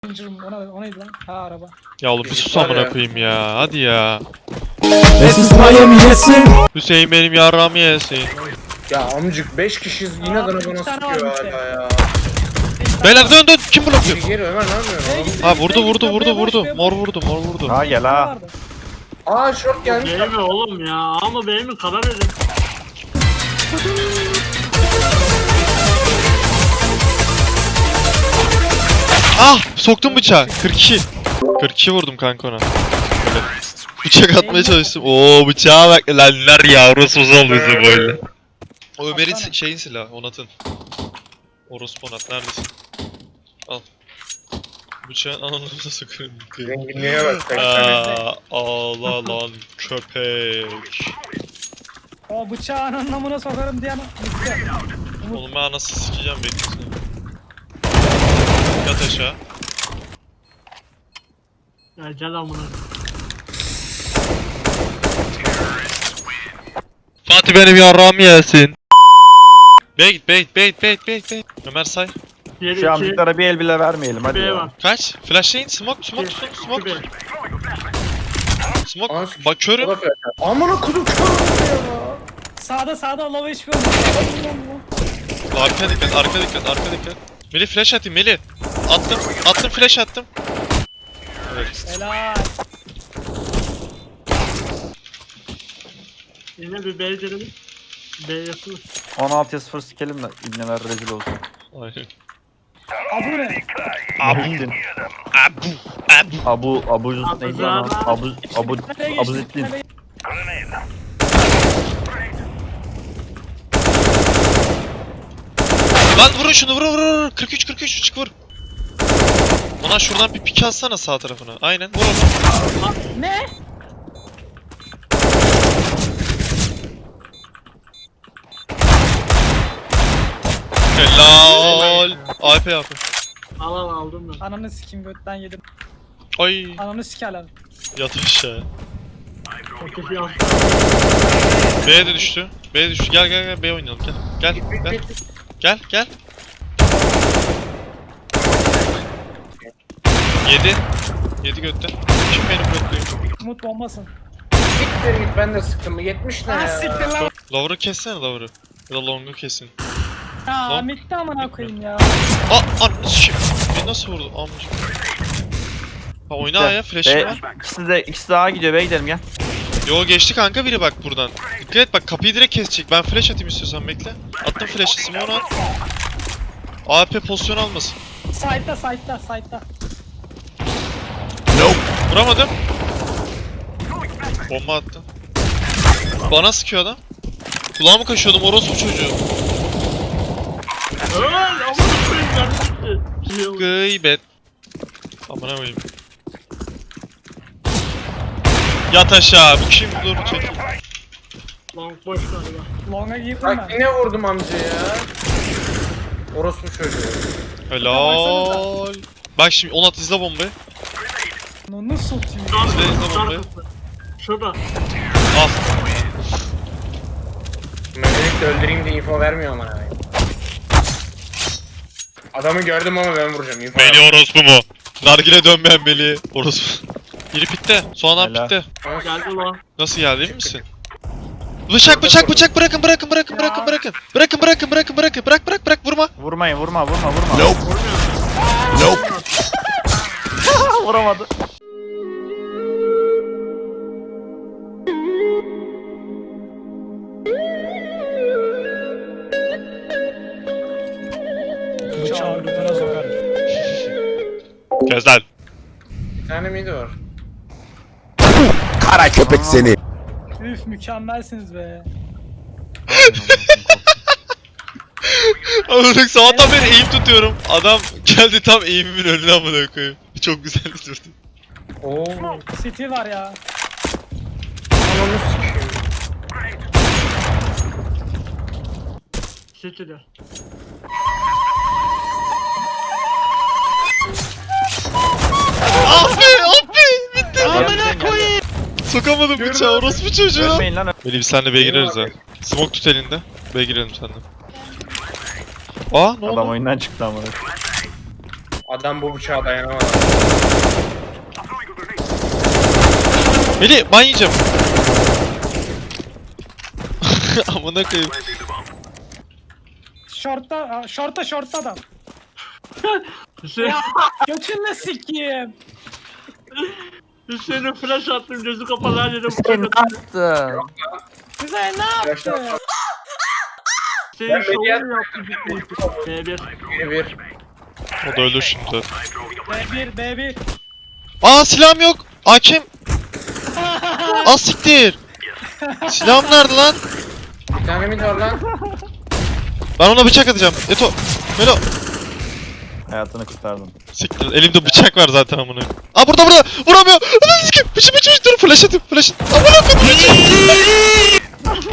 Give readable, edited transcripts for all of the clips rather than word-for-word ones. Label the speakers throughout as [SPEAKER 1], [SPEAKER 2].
[SPEAKER 1] O neydi lan? Ha araba.
[SPEAKER 2] Ya oğlum bir sus amına koyayım ya. Hadi ya. Hüseyin benim yarrağımı yesin.
[SPEAKER 3] Ya amcık 5 kişiyiz yine
[SPEAKER 1] Aa,
[SPEAKER 3] bana
[SPEAKER 1] iki tane
[SPEAKER 3] sıkıyor
[SPEAKER 1] varmış
[SPEAKER 3] hala ya.
[SPEAKER 2] Beyler dön dön. Kim blokluyor?
[SPEAKER 3] Bir geri Ömer ne yapıyorsun?
[SPEAKER 2] Ha vurdu. Mor vurdu.
[SPEAKER 4] Ha gel ha.
[SPEAKER 1] Vardı.
[SPEAKER 3] Aa short gelmiş.
[SPEAKER 5] Bey mi oğlum ya? Ama bey mi? Karar verin.
[SPEAKER 2] Ah soktum bıçağı. 42. 42 vurdum kanka ona. Böyle. Bıçak atmaya çalıştım. Oo bıçağa bak lanlar yavrusu oldu bize böyle. O Ömer'in şeyin silahı Onat'ın. Orospu Onat neredesin? Al. Bıçağın anlamına sokarım.
[SPEAKER 3] Zenginliğe bak.
[SPEAKER 2] Ağla lan köpek.
[SPEAKER 1] O bıçağın anlamına sokarım diyen bitti.
[SPEAKER 2] Oğlum ben anasını sikeceğim beklesin. Yat aşağı.
[SPEAKER 5] Ya gel amına.
[SPEAKER 2] Fatih benim yarrağımı yesin. Bait. Ömer say.
[SPEAKER 5] Yeri
[SPEAKER 4] Şu amcıklara bir el bile vermeyelim hadi
[SPEAKER 5] B
[SPEAKER 4] ya.
[SPEAKER 5] var.
[SPEAKER 2] Kaç? Flashlayın. Smoke. Smoke. Bak körüm.
[SPEAKER 3] Amına kodum kör oldu ya.
[SPEAKER 1] Sağda lava hiçbir olmuyor.
[SPEAKER 2] Arka dikkat. Melih flash atayım Melih. Attım flash attım. Evet.
[SPEAKER 1] Helal.
[SPEAKER 5] Yine bir B girelim. B yapılır.
[SPEAKER 4] 16'ya 0 sikelim de ibneler rezil olsun.
[SPEAKER 2] Aynen.
[SPEAKER 1] Aa bu ne?
[SPEAKER 4] Abu neydi lan?
[SPEAKER 1] Nereye
[SPEAKER 4] Abu
[SPEAKER 1] geçtin?
[SPEAKER 4] Zittin.
[SPEAKER 1] Nereye-
[SPEAKER 2] Lan vurun şunu vur. 43 çık vur. Ona şuradan bir pik alsana sağ tarafına. Aynen vur onu.
[SPEAKER 1] Ne?
[SPEAKER 2] Helal. AP yapın.
[SPEAKER 5] Al aldım ben.
[SPEAKER 1] Ananı sikeyim götten yedim.
[SPEAKER 2] Ay
[SPEAKER 1] Ananı sikerler.
[SPEAKER 2] yat aşağı.
[SPEAKER 5] Çok iyi yaptım.
[SPEAKER 2] B'ye de düştü. Gel B oynayalım gel. 7 götte. Kim benim götlüyüm?
[SPEAKER 1] Umut bombasın.
[SPEAKER 3] Siktir git ben de sıktım. 70 ne
[SPEAKER 1] Ha
[SPEAKER 3] ya?
[SPEAKER 1] siktir lan.
[SPEAKER 2] Lower'ı kessene lower'ı. Ya da long'u kesin.
[SPEAKER 1] Ya
[SPEAKER 2] Lan.
[SPEAKER 1] bitti amına koyayım ya.
[SPEAKER 2] Aa shit. Beni nasıl vurdu amcık? Ha oyna ya flash'ı var.
[SPEAKER 4] İkisi de A gidiyor be gidelim gel.
[SPEAKER 2] Yo geçti kanka biri bak buradan. Dikkat et bak kapıyı direkt kesecek. Ben flash atayım istiyorsan bekle. Attım flash'ı Simona at. AP pozisyon almasın.
[SPEAKER 1] Side'da.
[SPEAKER 2] Vuramadım. Bomba attı. Bana sıkıyor adam. Kulağımı kaşıyordum orospu çocuğu.
[SPEAKER 5] Öl! Amına koyayım ben.
[SPEAKER 2] Gıybet. Amına koyayım. Yat aşağı. Bu kim? Dur çekil.
[SPEAKER 5] Long boş galiba.
[SPEAKER 1] Long'a girdim
[SPEAKER 3] Bak
[SPEAKER 1] ben.
[SPEAKER 3] yine vurdum amca ya. Orospu çocuğu.
[SPEAKER 2] Helal. Bak şimdi Onat izle bombayı.
[SPEAKER 1] Onu satayım.
[SPEAKER 2] İzle bombayı.
[SPEAKER 5] Şurada.
[SPEAKER 2] Al.
[SPEAKER 3] Mehmet'i de öldüreyim diye info vermiyor ama yani. Adamı gördüm ama ben vuracağım info.
[SPEAKER 2] Beni orospu mu? Nargile dönmeyen Beli. Orospu. Biri pitte. Soğan
[SPEAKER 4] Helal.
[SPEAKER 2] pitte.
[SPEAKER 5] Geldi lan.
[SPEAKER 2] Nasıl geldi emin misin? Bıçak bırakın bırak vurma.
[SPEAKER 4] Vurmayın vurma. Vuramadı.
[SPEAKER 1] Bıçağı götüne sokarım.
[SPEAKER 2] Kes lan.
[SPEAKER 3] Bir tane miydi var?
[SPEAKER 6] Kara köpek seni.
[SPEAKER 1] Üf mükemmelsiniz be.
[SPEAKER 2] Anladık sabahtan beri eğim tutuyorum. Adam geldi tam eğimimin önüne amına koyayım. Çok güzel durdu.
[SPEAKER 3] Oo.
[SPEAKER 1] City var ya.
[SPEAKER 3] Ananı sikeyim.
[SPEAKER 5] City'de.
[SPEAKER 2] Ah be bitti.
[SPEAKER 4] Amına koyayım.
[SPEAKER 2] Sokamadım bıçağı orospu çocuğu.
[SPEAKER 4] Ölmeyin lan.
[SPEAKER 2] Melih biz seninle B'ye gireriz ha. Smoke tut elinde. B'ye girelim seninle. Aa ne oldu?
[SPEAKER 4] Adam oyundan çıktı amına.
[SPEAKER 3] Adam bu bıçağa dayanamadı.
[SPEAKER 2] Melih ben yiyeceğim. Amına koyayım.
[SPEAKER 1] Şorta adam.
[SPEAKER 5] Hüseyin,
[SPEAKER 1] Götünle sikeyim.
[SPEAKER 5] Hüseyin'e flash attım gözü kapalı her yere
[SPEAKER 4] Hüseyin
[SPEAKER 5] bıçak
[SPEAKER 4] ne
[SPEAKER 5] attım.
[SPEAKER 4] yaptın?
[SPEAKER 1] Güzel ne yaptı?
[SPEAKER 5] Hüseyin
[SPEAKER 3] Ben
[SPEAKER 5] şovunu
[SPEAKER 3] B'ye-
[SPEAKER 5] yaptı gitmiş. B1.
[SPEAKER 3] Bir.
[SPEAKER 2] O da ölür şimdi.
[SPEAKER 1] B1.
[SPEAKER 2] Aa silahım yok. Hakim. Aa siktir. Silahım nerede lan?
[SPEAKER 3] Bir tane mid var lan.
[SPEAKER 2] Ben ona bıçak atacağım. Eto. Melo.
[SPEAKER 4] Hayatını kurtardım.
[SPEAKER 2] Siktir. Elimde bıçak var zaten amına. Aa burada. Vuramıyor. Ananı sikeyim. Bıçı. Dur flash atayım. Flash. Amına koyayım.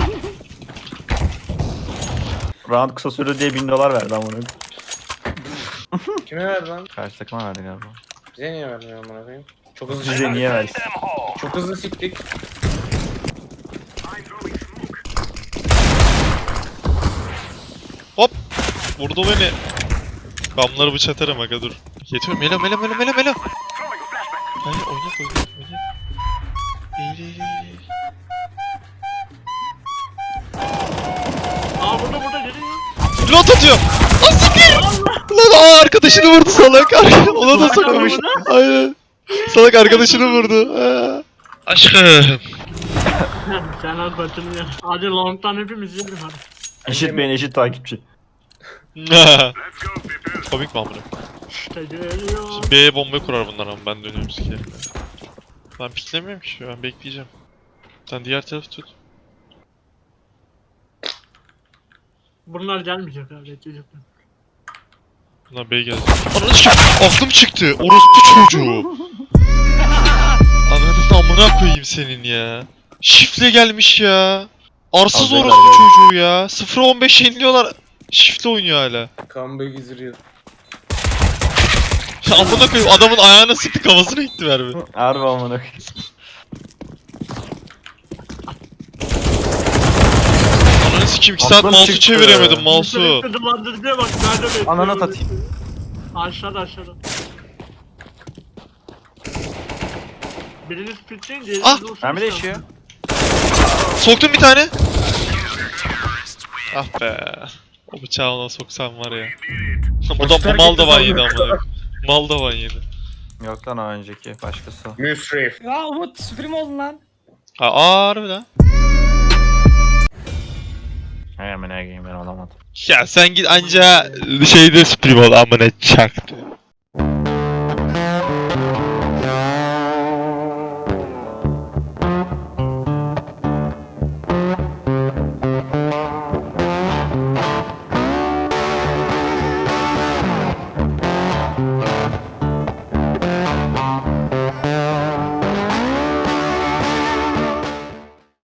[SPEAKER 4] Round kısa sürdü diye $1000 verdi ama bunu.
[SPEAKER 3] Kime verdi lan?
[SPEAKER 4] Karşı takıma verdi galiba.
[SPEAKER 3] Bize niye vermiyor amına koyayım? Çok hızlı
[SPEAKER 4] Size niye versin?
[SPEAKER 3] Çok hızlı siktik.
[SPEAKER 2] Hop. Vurdu beni. Gamları bıçatarım aga dur. Yetiyor. Melo. Hayır oyna. İyi.
[SPEAKER 5] Aa burada geliyor.
[SPEAKER 2] Pilot atıyor. Aa siktir. Lan arkadaşını vurdu salak. Ona da sokamış. Aynen. Salak arkadaşını vurdu. Aşkım.
[SPEAKER 5] Sen al batını ya. Hadi long'tan hepimiz yiyelim hadi.
[SPEAKER 4] Eşit beyin eşit takipçi.
[SPEAKER 2] Komik mi amına?
[SPEAKER 5] İşte geliyor.
[SPEAKER 2] Şimdi B'ye bomba kurar bunlar ama ben dönüyorum sikiye. Ben piklemiyorum ki ben bekleyeceğim. Sen diğer tarafı tut.
[SPEAKER 5] Bunlar gelmeyecek abi bekleyecekler.
[SPEAKER 2] Bunlar B'ye gelecek. Ananı sikeyim. Aklım çıktı. Orospu çocuğu. Ananı amına koyayım senin ya. Şifle gelmiş ya. Arsız
[SPEAKER 4] Alacaklar
[SPEAKER 2] orospu
[SPEAKER 4] böyle.
[SPEAKER 2] çocuğu ya. 0'a 15 yeniliyorlar. Şifle oynuyor hala.
[SPEAKER 3] Comeback is real.
[SPEAKER 2] Ya amına koyayım adamın ayağına sıktı kafasına gitti mermi.
[SPEAKER 4] Harbi amına koyayım.
[SPEAKER 2] Ananı sikeyim 2 saat
[SPEAKER 4] Aklım
[SPEAKER 2] mouse'u
[SPEAKER 4] çıktı.
[SPEAKER 2] çeviremedim mouse'u.
[SPEAKER 5] Hüseyin dolandırıcıya bak nerede bekliyor.
[SPEAKER 4] Ananı satayım.
[SPEAKER 5] Aşağıda. Birini spitleyin diğerini
[SPEAKER 2] Ah!
[SPEAKER 5] vursun
[SPEAKER 4] Mermi
[SPEAKER 5] işte.
[SPEAKER 4] değişiyor.
[SPEAKER 2] Soktum bir tane. Ah be. O bıçağı ona soksam var ya. Buradan mal da ban yedi amına. Mal da ban yedi.
[SPEAKER 4] Yok lan o önceki başkası.
[SPEAKER 3] Müsrif.
[SPEAKER 1] Ya Umut süprim oldun lan.
[SPEAKER 2] Ha harbi lan.
[SPEAKER 4] Hemen her game ben olamadım.
[SPEAKER 2] Ya sen git anca şeyde süpürüm ol amına çaktı.